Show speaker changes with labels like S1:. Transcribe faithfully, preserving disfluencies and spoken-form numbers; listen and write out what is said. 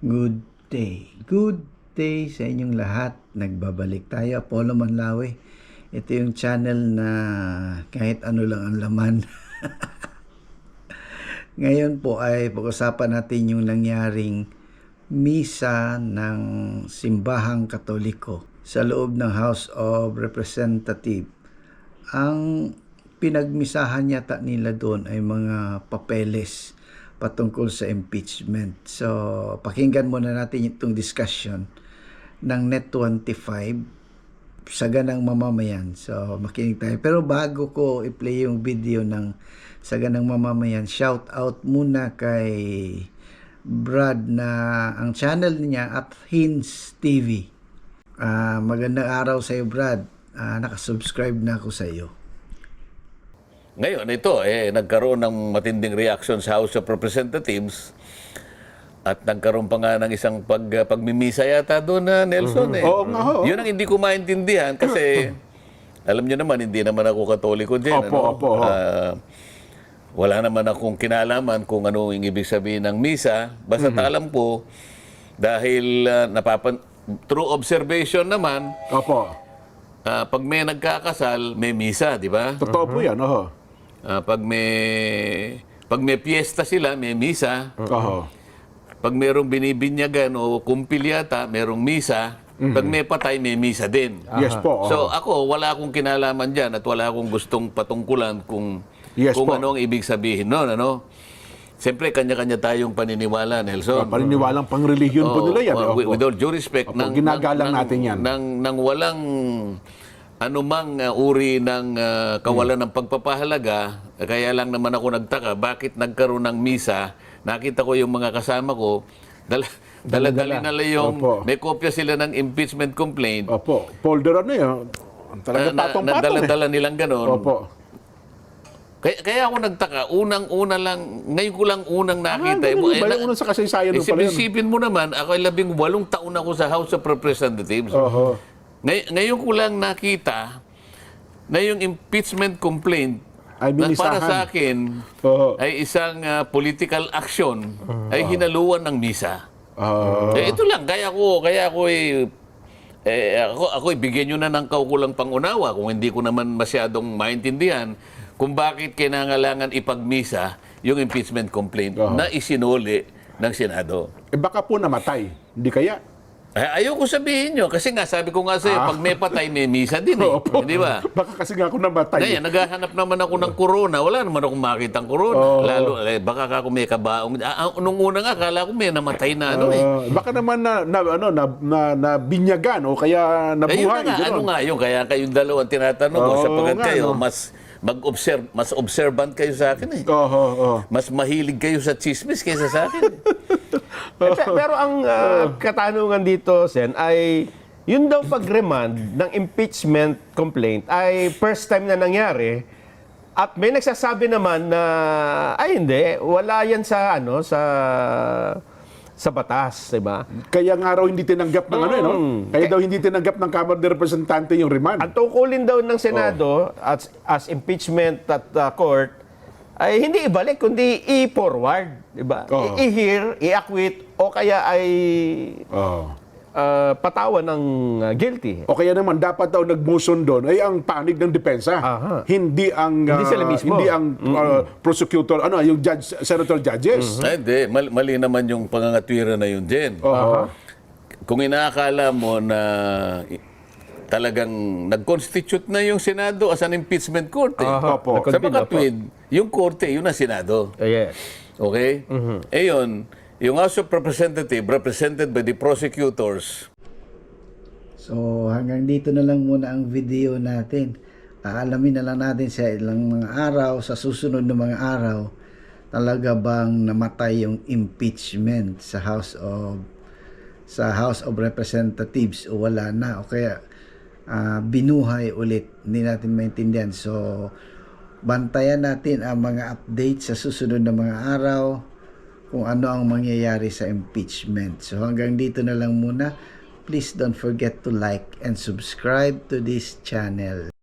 S1: Good day. Good day sa inyong lahat. Nagbabalik tayo. Apollo Manlawi. Ito yung channel na kahit ano lang ang laman. Ngayon po ay pag-usapan natin yung nangyaring misa ng Simbahang Katoliko sa loob ng House of Representatives. Ang pinagmisahan yata nila doon ay mga papeles patungkol sa impeachment. So, pakinggan muna natin itong discussion ng Net twenty-five sa ganang mamamayan. So, makinig tayo. Pero bago ko i-play yung video ng sa ganang mamamayan, shout out muna kay Brad na ang channel niya at Hins T V. Uh, magandang araw sa iyo, Brad. Uh, nakasubscribe na ako sa iyo.
S2: Ngayon, ito, eh, nagkaroon ng matinding reaction sa House of Representatives at nagkaroon pa nga ng isang pag, pagmimisa yata doon na Nelson. Eh.
S3: Oo nga ho.
S2: Yun ang hindi ko maintindihan kasi alam nyo naman, hindi naman ako Katoliko din.
S3: Opo,
S2: ano?
S3: opo.
S2: Uh, wala naman akong kinalaman kung ano yung ibig sabihin ng misa. Basta mm-hmm. alam ko, dahil uh, napapan through observation naman,
S3: Opo.
S2: Uh, pag may nagkakasal, may misa, di ba?
S3: Totoo po yan, oho.
S2: Uh, pag may pag may piyesta sila, may misa.
S3: Oho.
S2: Pag mayroong binibinyagan o kumpil yata, mayroong misa. Mm-hmm. Pag may patay, may misa din.
S3: Yes po. Oho.
S2: So ako, wala akong kinalaman dyan at wala akong gustong patungkulan kung,
S3: yes,
S2: kung
S3: po.
S2: ano ang ibig sabihin noon. Ano? Siyempre, kanya-kanya tayong paniniwala, Nelson.
S3: Oh, paniniwalang pang-religion
S2: oh,
S3: po nila yan.
S2: Oh, with, with all due respect,
S3: Opo,
S2: nang,
S3: ginagalang
S2: nang,
S3: natin yan.
S2: Nang, nang walang anumang uh, uri ng uh, kawalan hmm. ng pagpapahalaga, kaya lang naman ako nagtaka, bakit nagkaroon ng misa, nakita ko yung mga kasama ko, dala, dala-dali nila yung,
S3: Opo.
S2: may kopya sila ng impeachment complaint.
S3: Opo, folder ano yun. Talaga
S2: Uh, na,
S3: patong-patong
S2: na, dala-dala
S3: eh.
S2: nilang ganon.
S3: Opo.
S2: Kaya, kaya ako nagtaka, unang-una lang, ngayon ko lang unang nakita.
S3: Ah,
S2: eh,
S3: ganun
S2: eh,
S3: ba
S2: na,
S3: yung unang sa kasaysayan
S2: eh,
S3: mo pala yun?
S2: Isipin mo naman, ako ay labing walong taon ako sa House of Representatives.
S3: Oho.
S2: Ngay, ngayon ko lang nakita na yung impeachment complaint
S3: Ay
S2: na
S3: minisahan.
S2: para sa akin
S3: Oho.
S2: ay isang uh, political action ay hinaluan ng misa.
S3: Uh,
S2: Eh, ito lang, kaya ko, kaya ko eh, eh, ako, ako ibigyan nyo na ng kaukulang pangunawa kung hindi ko naman masyadong maintindihan kung bakit kinangalangan ipagmisa yung impeachment complaint
S3: Uh-huh.
S2: na isinuli ng Senado.
S3: eh baka po namatay. Hindi kaya?
S2: Ay, ayoko sabihin nyo, kasi nga sabi ko nga sa'yo,
S3: Ah.
S2: pag may patay, may misa din eh.
S3: Opo.
S2: Di ba?
S3: Baka kasi nga ako namatay.
S2: Ngayon, naghahanap naman ako ng corona. Wala naman akong makitang corona.
S3: Oo.
S2: Lalo, eh, baka ako may kabaong. Ah, nung una nga, akala ko may namatay na ano eh.
S3: Uh, baka naman na, na, ano, na, na, na binyagan o kaya
S2: Ayun
S3: nabuhay.
S2: na nga, ano
S3: gano'n.
S2: nga yun? Kaya kayong dalawang tinatanong ko,
S3: Oo
S2: sapagkat
S3: nga,
S2: kayo,
S3: no?
S2: mas mag-observe, mas observant kayo sa akin eh.
S3: Oho, oho.
S2: Mas mahilig kayo sa chismis kaysa sa akin.
S4: Eh, pe- pero ang ah, katanungan dito, Sen, ay yun daw pag-remand ng impeachment complaint ay first time na nangyari at may nagsasabi naman na ay hindi, wala yan sa ano sa sa batas, di ba?
S3: Kaya nga raw hindi tinanggap ng ano, eh, no?
S4: Mm.
S3: Kaya daw hindi tinanggap ng Kamara de Representante yung remand.
S4: Ang tungkulin daw ng Senado as, as impeachment at uh, court ay hindi ibalik kundi i-forward, di ba?
S3: Oo.
S4: I- I-hear, i-acquit o kaya ay
S3: Oh.
S4: uh, patawan ng uh, guilty.
S3: O kaya naman dapat daw nag-motion doon ay ang panig ng depensa.
S4: Aha.
S3: Hindi ang
S4: Hindi
S3: ah,
S4: sila mismo.
S3: hindi ang uh, prosecutor, ano, yung judge, senator judges.
S2: Ay, hindi. Mali, mali naman yung pangangatwira na yun din.
S3: Oho.
S2: Kung inaakala mo na i- talagang nag-constitute na yung Senado as an impeachment court eh.
S4: Aha.
S3: Opo.
S2: Sa
S4: Nag-convene,
S2: makatwid, yung korte, yun ang Senado.
S4: Uh, yes.
S2: Okay? Eh yun, yung House of Representatives represented by the prosecutors.
S1: So hanggang dito na lang muna ang video natin. Aalamin na lang natin sa ilang mga araw, sa susunod na mga araw, talaga bang namatay yung impeachment sa House of sa House of Representatives o wala na o kaya ah, binuhay ulit. Hindi natin maintindihan. So bantayan natin ang mga updates sa susunod na mga araw kung ano ang mangyayari sa impeachment. So hanggang dito na lang muna. Please don't forget to like and subscribe to this channel.